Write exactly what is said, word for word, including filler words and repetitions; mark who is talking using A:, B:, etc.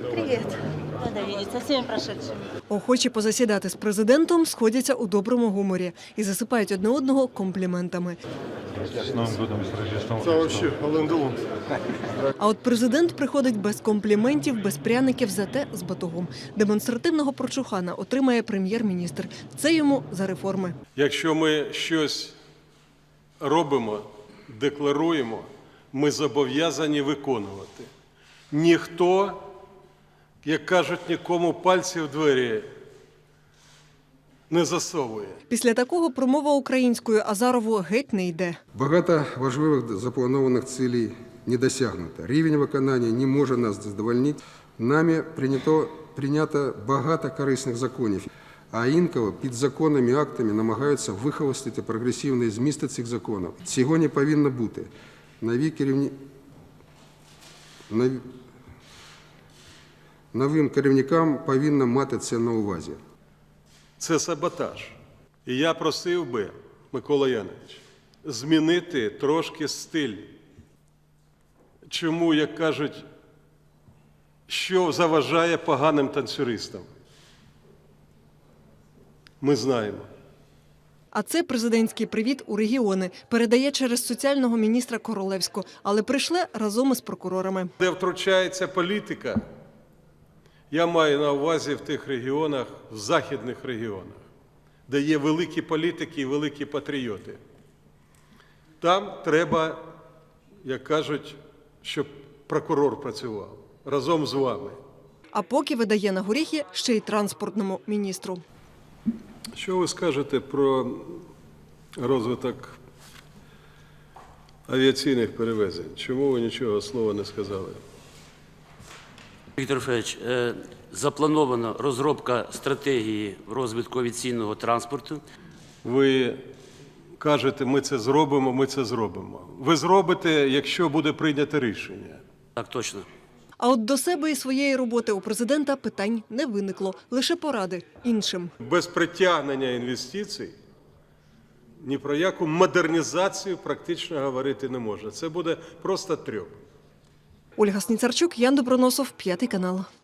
A: Привет.
B: Рада видеть, со всеми прошедшими.
C: Охочі позасідати з президентом сходяться у доброму гуморі і засипають одне одного компліментами.
D: С Новым годом, с Рождеством
E: Це вообще Ален Делон.
C: А от президент приходить без компліментів, без пряників, зате з батогом. Демонстративного прочухана отримає прем'єр-міністр. Це йому за реформи.
E: Якщо ми щось робимо, декларуємо, ми зобов'язані виконувати. Ніхто, як кажуть, нікому пальці в двері не засовує.
C: Після такого промова українською Азарову геть не йде.
F: Багато важливих запланованих цілей не досягнуто. Рівень виконання не може нас задовольнити. Нами прийнято, прийнято багато корисних законів, а інколи під законними актами намагаються вихолостити прогресивні змісти цих законів. Цього не повинно бути. Нові керівні... Нові... Новим керівникам повинно мати це на увазі.
E: Це саботаж. І я просив би, Микола Янович, змінити трошки стиль. Чому, як кажуть, що заважає поганим танцюристам? Ми знаємо.
C: А це президентський привіт у регіони. Передає через соціального міністра Королевську, але прийшли разом із прокурорами.
E: Де втручається політика, я маю на увазі в тих регіонах, в західних регіонах, де є великі політики і великі патріоти. Там треба, як кажуть, щоб прокурор працював разом з вами.
C: А поки видає на горіхи ще й транспортному міністру.
E: Що ви скажете про розвиток авіаційних перевезень? Чому ви нічого слова не сказали?
G: Віктор Федорович, запланована розробка стратегії розвитку авіаційного транспорту.
E: Ви кажете, ми це зробимо, ми це зробимо. Ви зробите, якщо буде прийнято рішення.
G: Так, точно.
C: А от до себе і своєї роботи у президента питань не виникло. Лише поради іншим.
E: Без притягнення інвестицій ні про яку модернізацію практично говорити не можна. Це буде просто трьох.
C: Ольга Сніцарчук, Ян Доброносов, П'ятий канал.